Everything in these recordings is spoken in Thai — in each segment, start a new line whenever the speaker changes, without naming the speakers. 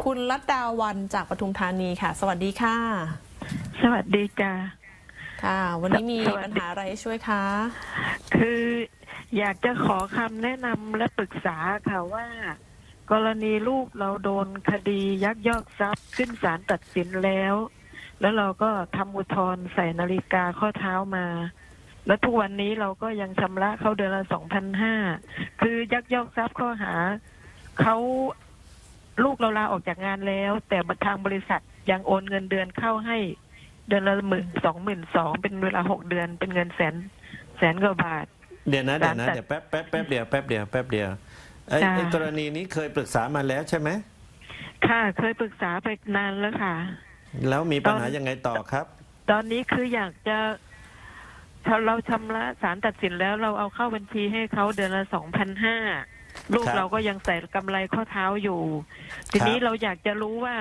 คุณลัดดาวันจากปทุมธานีค่ะ สวัสดีค่ะ
สวัสดีจ้า
ค่ะ วันนี้มีปัญหาอะไรช่วยคะ
คืออยากจะขอคำแนะนำและปรึกษาค่ะว่า กรณีลูกเราโดนคดียักยอกทรัพย์ขึ้นศาลตัดสินแล้วเราก็ทำอุทธรณ์ใส่นาฬิกาข้อเท้ามา แล้วทุกวันนี้เราก็ยังชำระเขาเดือนละ2,500คือยักยอกทรัพย์ข้อหาเขาลูกเราลาออกจากงานแล้ว แต่ทางบริษัทยังโอนเงินเดือนเข้าให้เดือนละ12,200เป็นเวลา6 เดือนเป็นเงินแสนกว่าบาท
เดี๋ยวเดี๋ยวแป๊บเดียวไอ้กรณีนี้เคยปรึกษามาแล้วใช่ไหม
ค่ะเคยปรึกษาไปนานแล้วค่ะ
แล้วมีปัญหายังไงต่อครับ
ตอนนี้คืออยากจะเราชำระศาลตัดสินแล้วเราเอาเข้าบัญชีให้เขาเดือนละ2,500ลูกเราก็ยังใส่กำไรข้อเท้าอยู่ทีนี้เราอยากจะรู้ว่า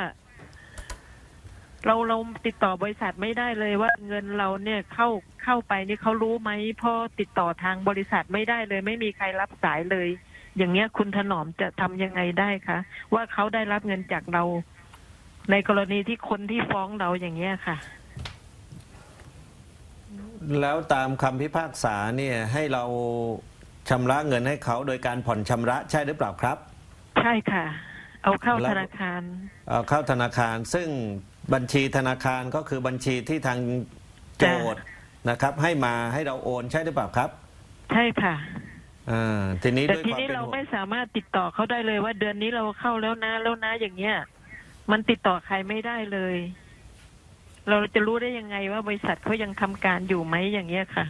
เราติดต่อบริษัทไม่ได้เลยว่าเงินเราเนี่ยเข้าไปนี่เขารู้ไหมเพราะติดต่อทางบริษัทไม่ได้เลยไม่มีใครรับสายเลย อย่างเงี้ยคุณถนอมจะทำยังไงได้คะว่าเขาได้รับเงินจากเราในกรณีที่คนที่ฟ้องเราอย่างเงี้ยค่ะ
แล้วตามคำพิพากษาเนี่ยให้เราชำระเงินให้เขาโดยการผ่อนชำระใช่หรือเปล่าครับ
ใช่ค่ะเอาเข้าธนาคาร
เอาเข้าธนาคารซึ่งบัญชีธนาคารก็คือบัญชีที่ทางโจทย์นะครับให้มาให้เราโอนใช่หรือเปล่าครับ
ใช่ค่ะ
ทีนี้
แต่ทีนี้เราไม่สามารถติดต่อเขาได้เลยว่าเดือนนี้เราเข้าแล้วนะอย่างเงี้ยมันติดต่อใครไม่ได้เลยเราจะรู้ได้ยังไงว่าบริษัทเขายังทำการอยู่ไหมอย่างเงี้ยค่ะ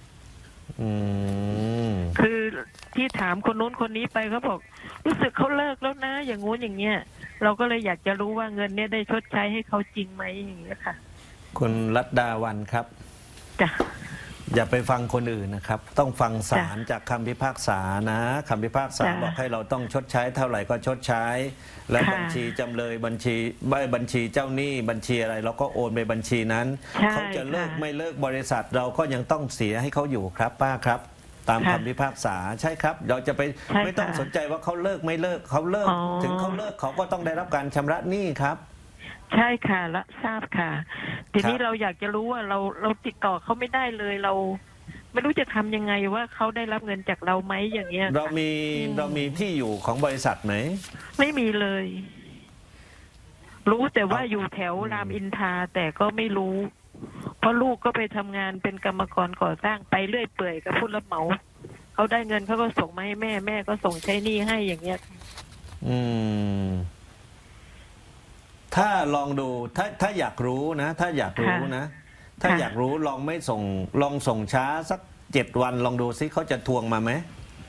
คือที่ถามคนโน้นคนนี้ไปเขาบอกรู้สึกเขาเลิกแล้วนะอย่างงู้นอย่างเงี้ยเราก็เลยอยากจะรู้ว่าเงินเนี้ยได้ชดใช้ให้เขาจริงไหมอย่างเงี้ยค่ะ
คุณรัตดาวันครับ
จ้ะ
อย่าไปฟังคนอื่นนะครับต้องฟังศาลจากคำพิพากษานะคำพิพากษาบอกให้เราต้องชดใช้เท่าไหร่ก็ชดใช้แล้วบัญชีจำเลยบัญชีเจ้าหนี้บัญชีอะไรเราก็โอนไปบัญชีนั้นเขาจะเลิกไม่เลิกบริษัทเราก็ยังต้องเสียให้เขาอยู่ครับป้าครับตามคำพิพากษาใช่ครับเราจะไปไม่ต้องสนใจว่าเขาเลิกไม่เลิกเขาเลิกถึงเขาเลิกเขาก็ต้องได้รับการชำระหนี้ครับ
ใช่ค่ะละทราบค่ะทีนี้เราอยากจะรู้ว่าเราติดต่อเขาไม่ได้เลยเราไม่รู้จะทำยังไงว่าเขาได้รับเงินจากเราไหมอย่างเงี้ย
เรามีที่อยู่ของบริษัทไหม
ไม่มีเลยรู้แต่ว่าอยู่แถวรามอินทราแต่ก็ไม่รู้เพราะลูกก็ไปทำงานเป็นกรรมกรก่อสร้างไปเรื่อยเปื่อยกับผู้รับเหมาเขาได้เงินเขาก็ส่งมาให้แม่ก็ส่งใช้หนี้ให้อย่างเงี้ย
ถ้าลองดูถ้าอยากรู้นะถ้าอยากรู้นะถ้าอยากรู้ลองไม่ส่งลองส่งช้าสัก7 วันลองดูซิเขาจะทวงมาไหม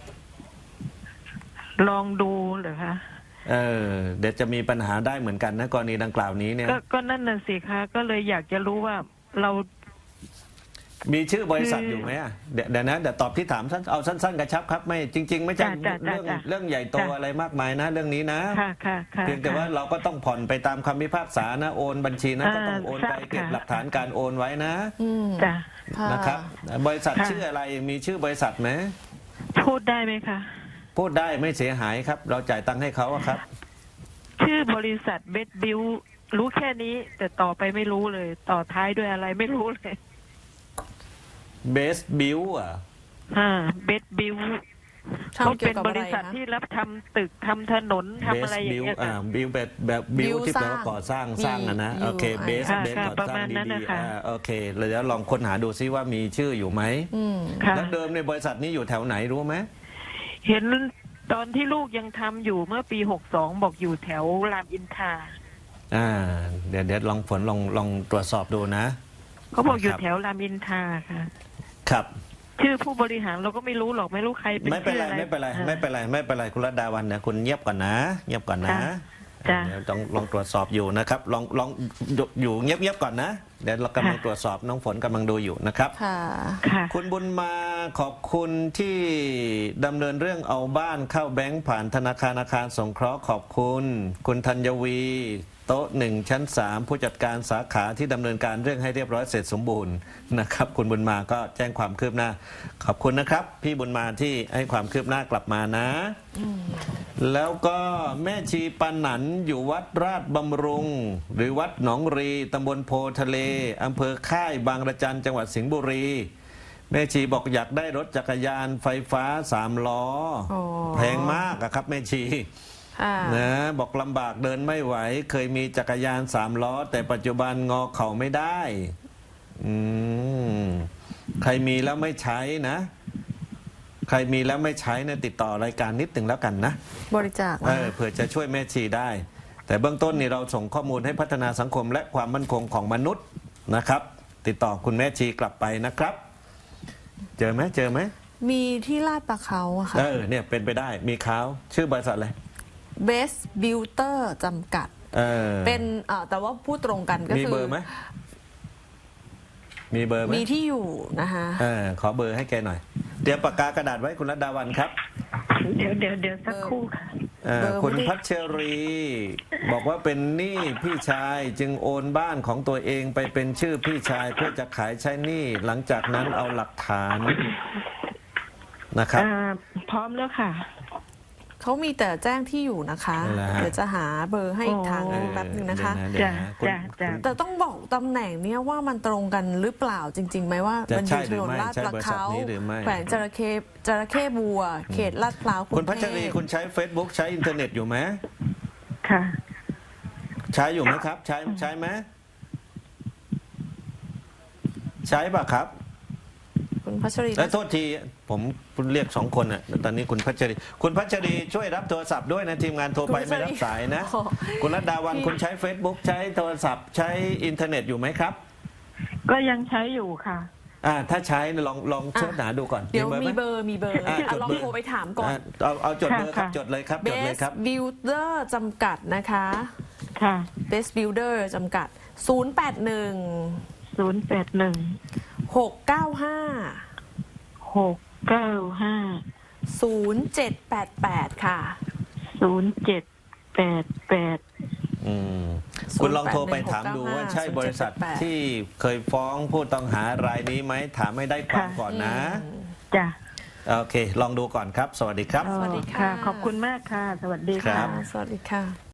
ลองดูเหรอคะ
เดี๋ยวจะมีปัญหาได้เหมือนกันนะกรณีดังกล่าวนี้เนี่ย
ก็นั่นน่ะสิคะก็เลยอยากจะรู้ว่าเรา
มีชื่อบริษัทอยู่ไหมเดี๋ยวนะเดี๋ยวตอบที่ถามเอาสั้นๆกระชับครับไม่จริงๆไม่ใช่เรื่องใหญ่โตอะไรมากมายนะเรื่องนี้นะเพียงแต่ว่าเราก็ต้องผ่อนไปตามคำพิพากษานะโอนบัญชีนั้นก็ต้องโอนไปเก็บหลักฐานการโอนไว้นะนะครับบริษัทชื่ออะไรมีชื่อบริษัทไหม
พูดได้ไหมคะ
พูดได้ไม่เสียหายครับเราจ่ายตังค์ให้เขาครับ
ชื่อบริษัทเบสบิวรู้แค่นี้แต่ต่อไปไม่รู้เลยต่อท้ายด้วยอะไรไม่รู้เลย
เบสบิว
เบสบิวเขาเป็นบริษัทที่รับทำตึกทำถนนทำอะไรอย่างเงี้ย
บิวแบบบิวที่แปลว่าก่อสร้างนะโอเคเบสก่อสร้างดีๆโอเคแล้วลองค้นหาดูซิว่ามีชื่ออยู่ไหมแล้วเดิมในบริษัทนี้อยู่แถวไหนรู้ไหม
เห็นตอนที่ลูกยังทำอยู่เมื่อปี62บอกอยู่แถวรามอินทรา
เดี๋ยวลองลองตรวจสอบดูนะ
เขาบอกอยู่แถวรามอินทราค่ะ
ครับ
ชื่อผู้บริหารเราก็ไม่รู้หรอกไม่รู้ใครเป็น
ไม่เป็นไรคุณรัตดาวันเนี่ยคุณเงียบก่อนนะเดี๋ยวต้องลองตรวจสอบอยู่นะครับลองอยู่เงียบก่อนนะเดี๋ยวเรากำลังตรวจสอบน้องฝนกำลังดูอยู่นะครับ
ค่ะ
ค่ะ
คุณบุญมาขอบคุณที่ดำเนินเรื่องเอาบ้านเข้าแบงก์ผ่านธนาคารอาคารสงเคราะห์ขอบคุณ คุณธัญวี โต๊ะ1 ชั้น 3 ผู้จัดการสาขาที่ดำเนินการเรื่องให้เรียบร้อยเสร็จสมบูรณ์นะครับ คุณบุญมาก็แจ้งความคืบหน้าขอบคุณนะครับ พี่บุญมาที่ให้ความคืบหน้ากลับมานะ แล้วก็แม่ชีปันหนันอยู่วัดราชบำรุง หรือวัดหนองรีตำบลโพทะเลอำเภอค่ายบางระจันจังหวัดสิงห์บุรี แม่ชีบอกอยากได้รถจักรยานไฟฟ้า3 ล้อ
อ๋อ
แพงมากอะครับแม่ชี
ค่ะ
นะบอกลำบากเดินไม่ไหว เคยมีจักรยาน3 ล้อ แต่ปัจจุบันงอเข่าไม่ได้ใครมีแล้วไม่ใช้นะ ใครมีแล้วไม่ใช้เนี่ยติดต่อรายการนิดหนึ่งแล้วกันนะ
บริจาคนะ
เผื่อจะช่วยแม่ชีได้ แต่เบื้องต้นนี่เราส่งข้อมูลให้พัฒนาสังคมและความมั่นคงของมนุษย์นะครับ ติดต่อคุณแม่ชีกลับไปนะครับ เจอไหม
มีที่ลาดปลาเขาอะค่ะ
เนี่ยเป็นไปได้มีเขาชื่อบริษัทอะไร
Best Builder จำกัด เป็นแต่ว่าพูดตรงกันก็
มี
คือ
เบอร์ไหมมีเบอร์ไหม
มีที่อยู่นะคะ
ขอเบอร์ให้แกหน่อยเตรียมปากกากระดาษไว้คุณรัตดาวันครับ
เดี๋ยวสักครู่ค่ะ
เบอร์
คุณ
ไม่ได้
พัชรี บอกว่าเป็นหนี้พี่ชายจึงโอนบ้านของตัวเองไปเป็นชื่อพี่ชายเพื่อจะขายใช้หนี้หลังจากนั้นเอาหลักฐานนะครับ
พร้อมแล้วค่ะ
เขามีแต่แจ้งที่อยู่นะคะ
นั่นแหละฮะ
เดี๋ยวจะหาเบอร์ให้อีกทางหนึ่ง
โอ้
แป๊บนึงนะคะ
เดี๋ยวนะ
จ้ะจ้ะ
แต่ต้องบอกตำแหน่งเนี้ยว่ามันตรงกันหรือเปล่าจริงๆไหมว่า
จะ
มันอ
ใช่
ยู่
ห
ถ
รือน ไม่
ลาด
ใช่
ปลา
บริษัท
เขา
นี้หรือไม่
แขวงจระเข้บัว เขตลาดพร้าวกรุ
คุณ
ง
พัช
เท
รี
พ
คุณใช้ Facebook ใช้อินเทอร์เน็ตอยู่ไหม
ค่ะ
ใช้อยู่ไหมครับ ใช้ไหมใช้ป่ะครับ
คุณพัชรี
และโทษทีผมเรียก2 คนอ่ะตอนนี้คุณพัชรีช่วยรับโทรศัพท์ด้วยนะทีมงานโทรไปไม่รับสายนะ
โอ้
คุณรัตดาวันคุณใช้ Facebook ใช้โทรศัพท์ใช้อินเทอร์เน็ตอยู่ไหมครับ
ก็ยังใช้อยู่ค่ะ
ถ้าใช้ลองเสิร์ชหาดูก่อน
เดี๋ยว
ไห
มีเบอร์ลองโทรไปถามก่อน
เอาจดเบอร์ครับ
ค่ะ
จดเลยครับจดเลย
Best
ครับ
Builder จำกัดนะคะ
ค่ะ
Best Builder จำกัด 081
081
695
695
0788 ค่ะ
0788
คุณลองโทรไปถามดูว่าใช่บริษัทที่เคยฟ้องผู้ต้องหารายนี้ไหมถามให้ได้ความก่อนนะ
จ้ะ
โอเค ลองดูก่อนครับ สวัสดีครับ
สวัสดีค่ะ
ขอบคุณมากค่ะ สวัสดี
ครั
ค่ะ
บ
สวัสดีค่ะ